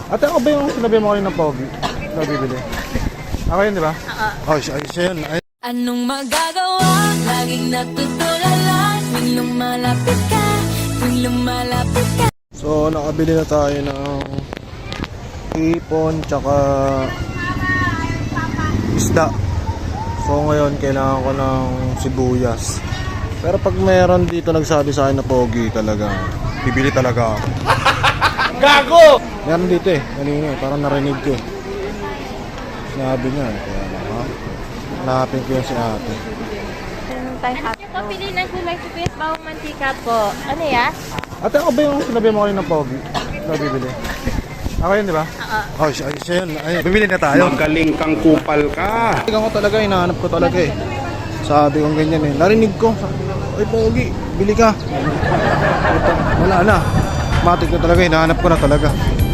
Ate, ako ba yung sinabi mo kayo ng pogi? Ikaw bibili. Ako yun, di ba? Oo. Oh, siya yun. Ay. Anong magagawa? Laging natutulala tuwing lumalapit ka, tuwing lumalapit ka. So, nakabili na tayo ng ipon tsaka isda. So, ngayon kailangan ko ng sibuyas. Pero pag meron dito nagsabi sa akin na pogi talaga, bibili talaga ako. Gago! Meron dito eh, kanina eh, parang narinig ko eh. Sinabi niya eh, kaya hanapin ko yan si ate. Ano po, pili ng gulay, sibuyas, bawang mantika po. Ano ya? Ate, ako ba yung sinabi mo kayo ng pogi? Ikaw bibili. Ako yun, di ba? Oo. Oh, siya yun. Ay, bibili na tayo. Magaling kang kupal ka. Tingnan ko talaga, hinahanap ko talaga eh. Sabi kong ganyan eh. Narinig ko. Ay, pogi, bili ka. Ito, wala na. Matik na talaga, hinahanap ko na talaga.